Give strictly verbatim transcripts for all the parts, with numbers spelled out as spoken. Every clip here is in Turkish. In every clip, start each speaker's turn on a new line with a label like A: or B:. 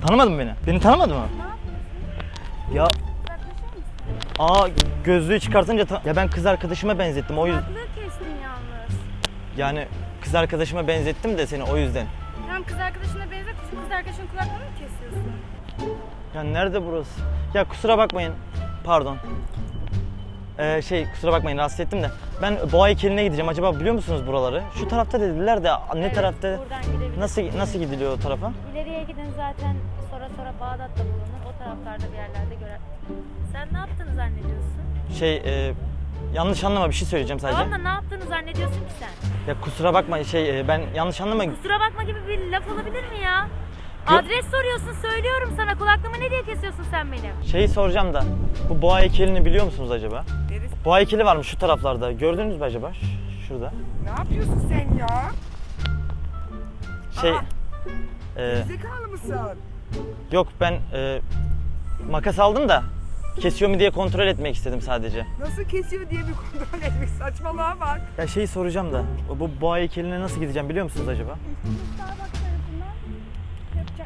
A: Tanımadın mı beni? Beni tanımadın mı?
B: Ne
A: Ya
B: yapıyorsun?
A: aa gözlüğü çıkartınca ta- ya ben kız arkadaşıma benzettim o yüzden.
B: Kulaklığı kestin yalnız.
A: Yani kız arkadaşıma benzettim de seni o yüzden.
B: Tamam kız arkadaşına benzet. Kız arkadaşının kulaklığını mı kesiyorsun?
A: Ya nerede burası? Ya kusura bakmayın. Pardon. Ee, şey kusura bakmayın rahatsız ettim de. Ben boğa heykeline gideceğim. Acaba biliyor musunuz buraları? Şu tarafta dediler de ne
B: Evet,
A: tarafta?
B: buradan gidebilirsin.
A: Nasıl nasıl gidiliyor o tarafa?
B: İleriye gidin zaten sonra sonra Bağdat'ta bulunur. O taraflarda bir yerlerde görer. Sen ne yaptığını zannediyorsun?
A: Şey e, yanlış anlama bir şey söyleyeceğim sadece.
B: Tamam da ne yaptığını zannediyorsun ki sen?
A: Ya kusura bakma şey e, ben yanlış anlama.
B: Kusura bakma gibi bir laf olabilir mi ya?
A: Gö-
B: Adres soruyorsun söylüyorum sana. Kulaklığımı ne diye kesiyorsun sen benim?
A: Şeyi soracağım da bu boğa heykelini biliyor musunuz acaba?
C: Neresi?
A: Boğa heykeli varmış şu taraflarda. Gördünüz mü acaba? Ş- Şurada.
C: Ne yapıyorsun sen ya?
A: Şey
C: Aa.
A: e,
C: Zekalı mısın?
A: yok ben e, makas aldım da kesiyor mu diye kontrol etmek istedim sadece.
C: Nasıl kesiyor diye bir kontrol etmek saçmalığa bak.
A: Ya şeyi soracağım da bu boğa heykeline nasıl gideceğim biliyor musunuz acaba?
B: Starbucks tarafından yapacak.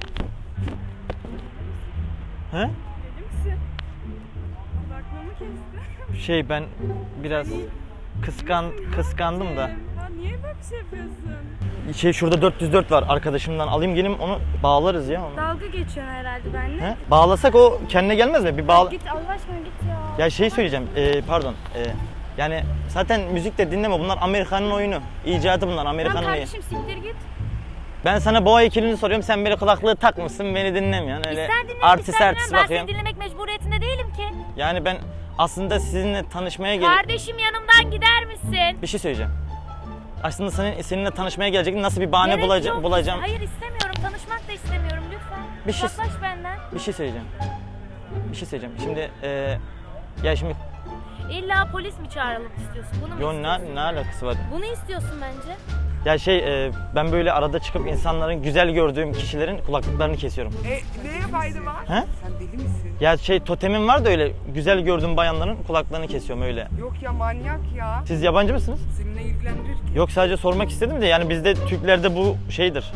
A: He?
B: Deli misin? Kulaklığımı kestin.
A: Şey ben biraz kıskan kıskandım da.
B: Ya niye böyle bir şey yapıyorsun?
A: Şey şurada dört yüz dört var arkadaşımdan alayım gelin onu bağlarız ya onu.
B: Dalga geçiyorsun herhalde benimle.
A: He? Bağlasak o kendine gelmez mi? Bir bağla.
B: Git Allah aşkına git ya.
A: Ya şey söyleyeceğim. e, pardon. e, yani zaten müzik de dinleme. Bunlar Amerikan'ın oyunu. İcadı bunlar.
B: Tamam
A: Amerikan'ın oyunu.
B: kardeşim siktir git.
A: Ben sana boğa heykelini soruyorum. Sen böyle kulaklığı takmışsın. Beni dinlemiyorsun. Öyle
B: İster dinle
A: artist
B: ister
A: artist
B: dinleme. Ben seni
A: bakıyorsun.
B: dinlemek mecburiyetinde değilim ki.
A: Yani ben aslında sizinle tanışmaya gel.
B: Kardeşim yanımdan gider misin?
A: Bir şey söyleyeceğim. Aslında senin seninle tanışmaya gelecektim. Nasıl bir bahane
B: Gerek
A: bulaca-
B: yok.
A: bulacağım?
B: Hayır istemiyorum. Tanışmak da istemiyorum lütfen.
A: Bir şey-
B: Uzaklaş benden.
A: Bir şey söyleyeceğim. Bir şey söyleyeceğim. Şimdi e, ya şimdi
B: İlla polis mi çağıralım istiyorsun? Bunu mu
A: yo
B: istiyorsun?
A: ne, ne alakası var?
B: Bunu istiyorsun bence.
A: Ya şey e, ben böyle arada çıkıp insanların güzel gördüğüm kişilerin kulaklıklarını kesiyorum.
C: E neye fayda var?
A: He?
C: Sen deli misin?
A: Ya şey totemim var da öyle güzel gördüğüm bayanların kulaklarını kesiyorum öyle.
C: Yok ya manyak ya.
A: Siz yabancı mısınız?
C: Seninle ilgilendirir ki.
A: Yok sadece sormak istedim de yani bizde Türklerde bu şeydir.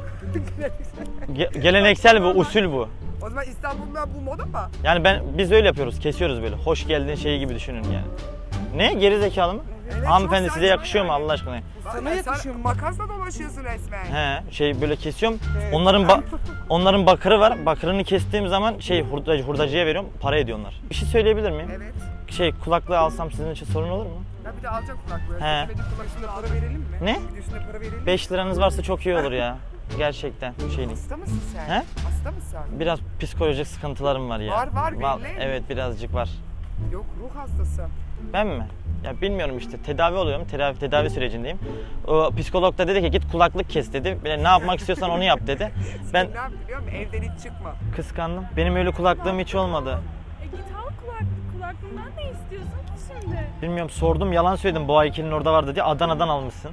A: Ge- geleneksel bu, usul bu.
C: O zaman İstanbul'da bu moda mı?
A: Yani ben biz öyle yapıyoruz, kesiyoruz böyle. Hoş geldin şeyi gibi düşünün yani. Ne? Geri zekalı mı?
C: Evet,
A: Hanımefendi
C: çok
A: size
C: saçma
A: yakışıyor mu
C: yani.
A: Allah aşkına?
C: Sana yakışıyor. Makasla dolaşıyorsun resmen.
A: He, şey böyle kesiyorum.
C: Evet.
A: Onların ba- onların bakırı var. Bakırını kestiğim zaman şey hurdacı, hurdacıya veriyorum. Para ediyor onlar. Bir şey söyleyebilir miyim?
C: Evet.
A: Şey kulaklığı alsam sizin için sorun olur mu?
C: Ya bir de alacak kulaklığı.
A: He.
C: Kesmediğin kulaklığı para verelim mi?
A: Ne?
C: Bir de üstüne para verelim mi?
A: beş liranız varsa çok iyi olur ya. Gerçekten şeyin.
C: Hasta mısın sen?
A: He?
C: Hasta mısın?
A: Biraz psikolojik sıkıntılarım var ya.
C: Var, var,
A: Val-
C: belli.
A: Evet birazcık var.
C: Yok ruh hastası.
A: Ben mi? Ya bilmiyorum işte tedavi oluyorum. Tedavi tedavi sürecindeyim. O psikolog da dedi ki git kulaklık kes dedi. Böyle ne yapmak istiyorsan onu yap dedi. Ben
C: Ne yap biliyor musun? Evden hiç çıkma.
A: kıskandım. Benim öyle kulaklığım hiç olmadı.
D: E git al kulaklık. Kulaklığından ne istiyorsun ki şimdi?
A: Bilmiyorum sordum yalan söyledim. Boğa heykelinin orada var dedi. Adana'dan almışsın.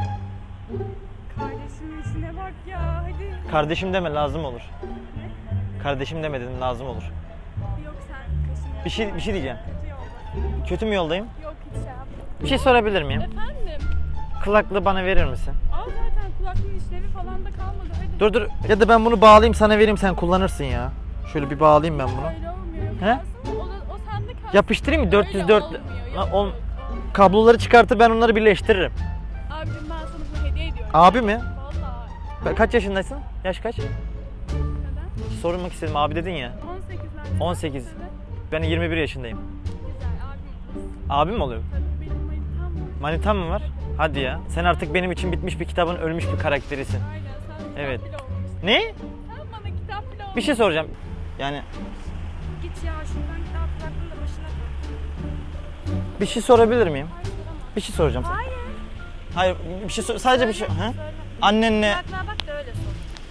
D: Kardeşimin işine bak ya. Hadi.
A: Kardeşim deme lazım olur. Kardeşim deme dedim lazım olur.
D: Yok sen kaşını
A: Bir şey bir şey diyeceğim.
D: kötü yolda.
A: Kötü mü yoldayım?
D: Yok hiç şey yapma.
A: Bir şey sorabilir miyim?
D: Efendim?
A: Kulaklığı bana verir misin?
D: Al zaten kulaklığın işlevi falan da kalmadı. Hadi.
A: Dur dur. Ya da ben bunu bağlayayım sana vereyim sen kullanırsın ya. Şöyle bir bağlayayım ben bunu.
D: Öyle olmuyor.
A: He?
D: Yaparsın, O, da, o sende kalsın.
A: Yapıştırayım mı? dört yüz dört.
D: Öyle olmuyor.
A: Ha,
D: Yok,
A: ol-
D: yok, olmuyor.
A: Kabloları çıkartır ben onları birleştiririm.
D: Abicim ben sana bunu hediye ediyorum.
A: Abi mi?
D: Vallahi.
A: Ka- Kaç yaşındaysın? Yaş kaç?
D: Neden?
A: Sormak istedim abi dedin ya.
D: on sekizlerde.
A: on sekiz. Ben yirmi bir yaşındayım.
D: Güzel abim.
A: Abim mi oluyor?
D: Tabii benim manitam var.
A: Manitan mı var? Hadi ya. Sen artık benim için bitmiş bir kitabın ölmüş bir karakterisin.
D: Aynen sen kitap
A: Evet.
D: bile olmamışsın.
A: Ne?
D: Sen bana kitap bile olmamışsın.
A: Bir şey soracağım. Yani
B: Git ya şuradan git al kulaklığını da başına koy.
A: bir şey sorabilir miyim?
D: Hayır, soramam.
A: Bir şey soracağım sana.
B: Hayır.
A: Hayır, bir şey sor- sadece bir şey. He?
B: Söyle.
A: Annenle
B: Kulaklığa bak da öyle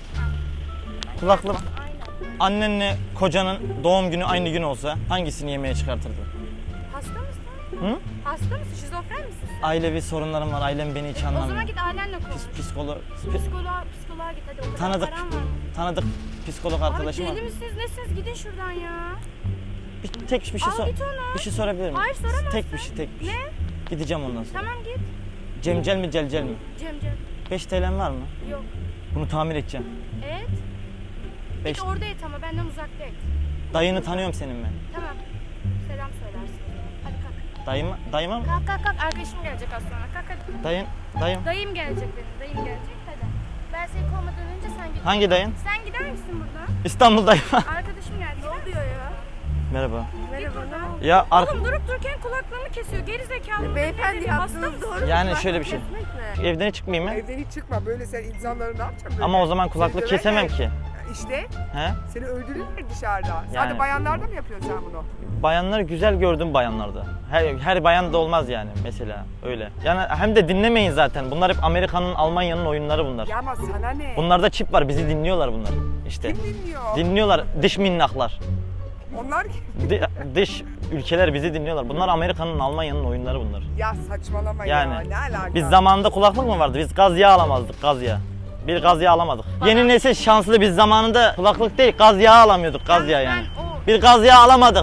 B: sor.
A: kulaklı
B: Aynen.
A: annenle kocanın doğum günü aynı gün olsa hangisini yemeğe çıkartırdın?
B: Hasta mısın?
A: Hı?
B: Hasta mısın? Şizofren misin?
A: Ailevi sorunlarım var. Ailem beni hiç
B: O zaman
A: anlamıyor.
B: git ailenle konuş.
A: Pis, psikolo,
B: Psikoloğa, psikoloğa git hadi. O kadar
A: Tanıdık.
B: param var mı?
A: tanıdık psikolog
B: Abi
A: arkadaşım var.
B: deli misiniz nesiniz? Gidin şuradan ya.
A: Bir, tek bir şey
B: Al
A: sor.
B: git ona.
A: Bir şey sorabilir miyim?
B: Hayır, soramazsın.
A: Tek bir şey, tek bir şey.
B: Ne?
A: Gideceğim ondan sonra.
B: Tamam git.
A: Cemcel mi celcel mi?
B: Cem Cem.
A: beş T L'm var mı?
B: Yok.
A: Bunu tamir edeceğim.
B: Evet.
A: Beş...
E: Git orada et ama benden uzakta et.
A: Dayını tanıyorum senin ben.
E: Tamam. Selam söylersin. Hadi kalk.
A: Dayıma, dayıma mı?
E: Kalk kalk kalk. Arkadaşım gelecek az sonra. Kalk hadi.
A: Dayın, dayım.
E: Dayım gelecek benim. Dayım gelecek. Hadi. Ben seni kovmadan önce sen git.
A: Hangi dayın?
E: Sen gider misin buradan?
A: İstanbul dayım.
E: Arkadaşım geldi. Ne oluyor ya?
A: Merhaba.
E: Merhaba. Ne
A: Ya ar-
D: Oğlum durup dururken kulaklarını kesiyor. Geri zekalı.
C: Beyefendi yaptığınız doğru.
A: yani şöyle bir şey. Evden hiç çıkmayayım mı?
C: Evden hiç çıkma. Böyle sen insanları ne yapacaksın? Böyle?
A: Ama o zaman kulaklık
C: Seni
A: kesemem
C: döverler.
A: ki.
C: İşte
A: He?
C: seni öldürürler dışarıda.
A: Yani.
C: Sadece bayanlarda mı yapıyorsun sen bunu?
A: Bayanları güzel gördüm bayanlarda. Her, her bayan da olmaz yani mesela öyle. Yani hem de dinlemeyin zaten. Bunlar hep Amerika'nın, Almanya'nın oyunları bunlar.
C: Ya ama sana ne?
A: Bunlarda çip var. Bizi dinliyorlar bunlar. İşte.
C: Kim dinliyor?
A: Dinliyorlar dış minnaklar.
C: Onlar kim?
A: Di- dış ülkeler bizi dinliyorlar. Bunlar Amerika'nın, Almanya'nın oyunları bunlar.
C: Ya saçmalama
A: Yani
C: ya. Ne alaka?
A: biz zamanında kulaklık mı vardı? Biz gaz yağı alamazdık, gaz yağı. Bir gaz yağı alamadık. Yeni nesil şanslı, biz zamanında kulaklık değil gaz yağı alamıyorduk, gaz yağı yani.
E: Ben o.
A: Bir gaz yağı alamadık.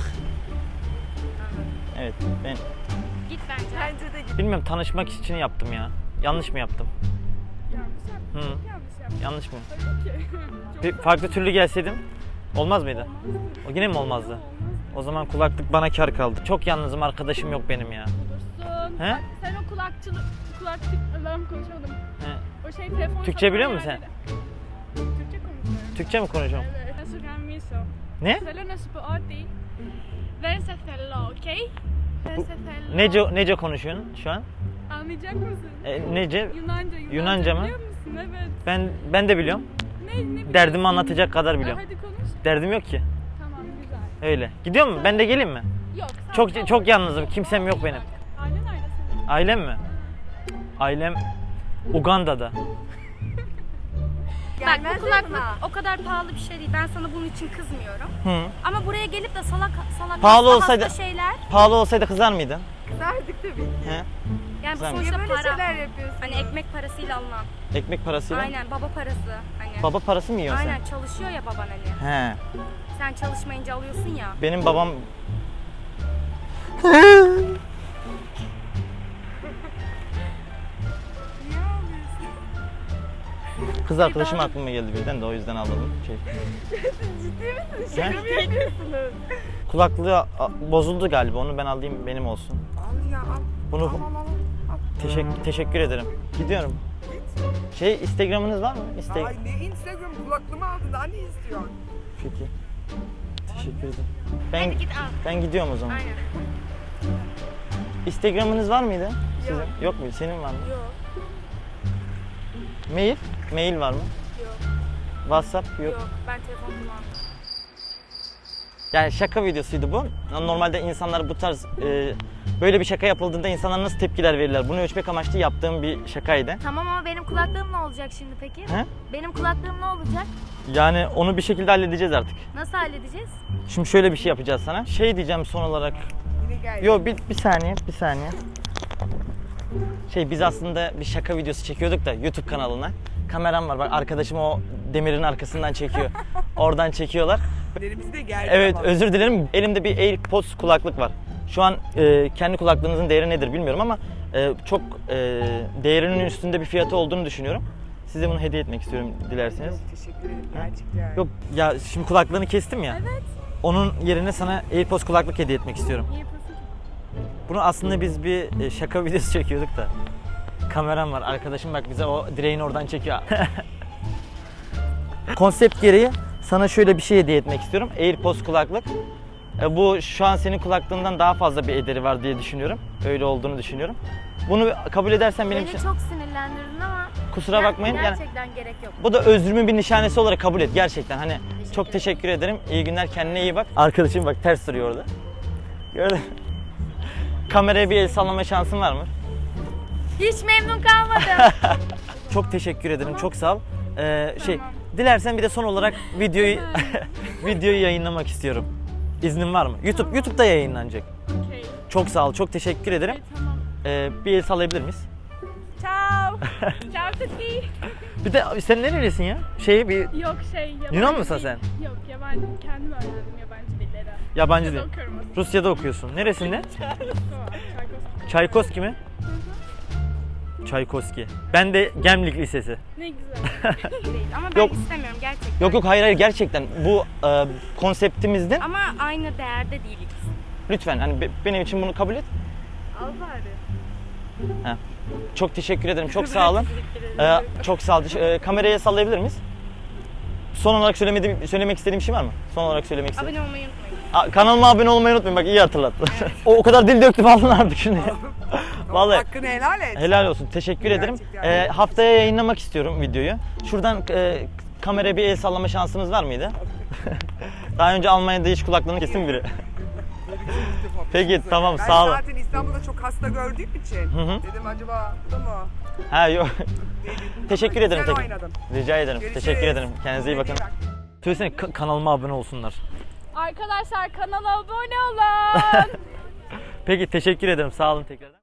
A: Evet, ben
E: Git bence. Bence de git.
A: bilmiyorum, tanışmak için yaptım ya. Yanlış mı yaptım?
D: Yanlış yaptın.
A: Hı.
D: Yanlış yaptın.
A: Yanlış mı?
D: Tabii ki. Çok
A: Bir farklı türlü gelseydim olmaz mıydı? O yine mi olmazdı? O zaman kulaklık bana kar kaldı. Çok yalnızım, arkadaşım yok benim ya.
D: olursun.
A: He?
D: Sen o kulakçılık, kulakçılık, Allah'ım konuşamadım.
A: He.
D: O şey telefon
A: Türkçe biliyor
D: satan
A: musun sen?
D: yerleri. Türkçe konuşuyorum.
A: Türkçe mi konuşuyorum?
D: Evet. Nasıl gelmiyorsa.
A: Ne?
D: Ställer oss på A D. Vänster fälla, okej? Vänster fälla.
A: Nece, nece konuşuyorsun şu an?
D: Anlayacak mısın?
A: E, nece?
D: Yunanca. Yunanca,
A: Yunanca mı?
D: biliyor musun? Evet.
A: Ben ben de biliyorum.
D: Ne, ne biliyorsun?
A: Derdimi anlatacak kadar
D: Ha,
A: biliyorum.
D: hadi konuş.
A: Derdim yok ki.
D: Tamam, güzel.
A: Öyle. Gidiyor mu? Ben de geleyim mi?
D: Yok. sen
A: Çok
D: kal.
A: çok yalnızım. Kimsem yok benim.
D: Ailen nerede senin?
A: Ailem mi? Ailem Uganda'da.
E: Bak bu kulaklık o kadar pahalı bir şey değil. Ben sana bunun için kızmıyorum.
A: Hı.
E: Ama buraya gelip de salak salak
A: Pahalı
E: hasta
A: olsaydı-
E: hasta şeyler.
A: Pahalı olsaydı kızar mıydın?
C: Kızardık tabii ki.
A: He?
E: Yani bu
A: Güzel mi?
E: sonuçta
C: Niye böyle
E: para.
C: şeyler yapıyorsun?
E: Hani ekmek parasıyla alınan.
A: Ekmek parasıyla.
E: Aynen baba parası. Hani.
A: Baba parası mı yiyorsun
E: Aynen çalışıyor ya baban hani.
A: sen? He.
E: Sen çalışmayınca alıyorsun ya.
A: Benim babam
C: Niye ağlıyorsun?
A: kız arkadaşım aklıma geldi birden de o yüzden ağladım. Şey.
C: Ciddi misin?
A: He?
C: Şaka mı yapıyorsunuz?
A: Kulaklığı a- bozuldu galiba. Onu ben alayım, benim olsun.
C: Al ya al.
A: Bunu
C: Al al al. al.
A: teşekkür teşekkür ederim. Gidiyorum.
C: Git.
A: Şey, Instagram'ınız var mı? Insta-
C: Ay ne Instagram kulaklığımı aldın daha ne istiyorsun?
A: Peki. Teşekkür ederim. Ben
E: Hadi git al.
A: ben gidiyorum o zaman.
E: Aynen.
A: Instagram'ınız var mıydı? Sizin? Yok muydu? Senin var mı?
E: Yok.
A: Mail? Mail var mı?
E: Yok.
A: WhatsApp yok.
E: Yok. Ben telefon kullanmıyorum.
A: Yani şaka videosuydu bu. Normalde insanlar bu tarz e, böyle bir şaka yapıldığında insanlar nasıl tepkiler verirler? Bunu ölçmek amaçlı yaptığım bir şakaydı.
B: Tamam ama benim kulaklığım ne olacak şimdi peki?
A: He?
B: Benim kulaklığım ne olacak?
A: Yani onu bir şekilde halledeceğiz artık.
B: Nasıl halledeceğiz?
A: Şimdi şöyle bir şey yapacağız sana. Şey diyeceğim son olarak.
C: Yine gel.
A: Yo bir, bir saniye, bir saniye. Şey biz aslında bir şaka videosu çekiyorduk da YouTube kanalına. Kameram var bak, arkadaşım o demirin arkasından çekiyor. Oradan çekiyorlar.
C: Ellerimiz de geldi
A: Evet,
C: ama.
A: özür dilerim. Elimde bir AirPods kulaklık var. Şu an e, kendi kulaklığınızın değeri nedir bilmiyorum ama e, çok e, değerinin üstünde bir fiyatı olduğunu düşünüyorum. Size bunu hediye etmek istiyorum dilerseniz.
C: Yok, teşekkür ederim
A: Ha?
C: gerçekten.
A: Yok ya, şimdi kulaklığını kestim ya.
D: Evet.
A: Onun yerine sana AirPods kulaklık hediye etmek istiyorum.
D: Niye yapıyorsun ki?
A: Bunu aslında biz bir e, şaka videosu çekiyorduk da. Kameram var. Arkadaşım bak bize o direğin oradan çekiyor. Konsept gereği sana şöyle bir şey hediye etmek istiyorum. AirPods kulaklık. E, bu şu an senin kulaklığından daha fazla bir ederi var diye düşünüyorum. Öyle olduğunu düşünüyorum. Bunu kabul edersen benim
B: Beni
A: için
B: çok sinirlendirdin ama
A: kusura bakmayın. Yani
B: gerçekten gerek yok.
A: bu da özrümün bir nişanesi olarak kabul et gerçekten. Hani
B: Teşekkür
A: çok teşekkür ederim. İyi günler, kendine iyi bak. Arkadaşım bak ters duruyor orada. Gördün mü? Kameraya bir el sallama şansın var mı?
B: Hiç memnun kalmadım.
A: Çok teşekkür ederim. Çok sağ ol. Ee, şey, dilersen bir de son olarak videoyu videoyu yayınlamak istiyorum. İznin var mı? YouTube YouTube'da yayınlanacak.
D: Okey.
A: Çok sağ ol. Çok teşekkür ederim.
D: Okay, tamam.
A: Ee, bir el sallayabilir miyiz?
D: Ciao. Ciao tutti.
A: Bir de sen nerelisin ya? Şey bir
D: Yok şey yabancı
A: Yunan mısın
D: değil.
A: sen?
D: Yok yabancı. Kendim öğrendim yabancı dilleri.
A: yabancı
D: Rusya'da
A: değil.
D: okuyorum aslında.
A: Rusya'da okuyorsun. Neresinde?
D: Tamam. Çaykoz.
A: Çaykovski mi? Çaykovski. Ben de Gemlik Lisesi.
D: Ne güzel.
E: Değil. Ama ben
A: Yok.
E: istemiyorum gerçekten.
A: Yok yok hayır hayır gerçekten bu e, konseptimizden
E: Ama aynı değerde değiliz.
A: lütfen hani be- benim için bunu kabul et.
B: Al bari.
A: Ha. Çok teşekkür ederim. Çok sağ olun. Ee, çok sağ olun. Ee, kameraya sallayabilir miyiz? Son olarak söylemediğim, söylemek istediğim şey var mı? Son olarak söylemek istediğim.
E: Abone olmayı unutmayın.
A: Aa, kanalıma abone olmayı unutmayın. Bak iyi hatırlattın. o, o kadar dil döktüm aldın artık şunu. Vallahi
C: Hakkını helal et.
A: helal olsun. Teşekkür ederim.
C: Gerçekten.
A: Ee, haftaya yayınlamak istiyorum videoyu. Şuradan e, kameraya bir el sallama şansınız var mıydı? Daha önce Almanya'da hiç kulaklığını kesin biri. Peki tamam
C: Ben
A: sağ olun.
C: zaten İstanbul'da çok hasta gördüğüm için
A: Hı hı.
C: dedim acaba bu da mı?
A: Ha yok.
C: Dedim.
A: Teşekkür
C: Ama
A: ederim
C: güzel
A: tek-
C: oynadın.
A: Rica ederim.
C: Görüşürüz.
A: Teşekkür ederim. Kendinize iyi bakın.
C: bak.
A: Söylesene ka- kanalıma abone olsunlar.
D: Arkadaşlar kanala abone olun.
A: Peki teşekkür ederim. Sağ olun tekrar.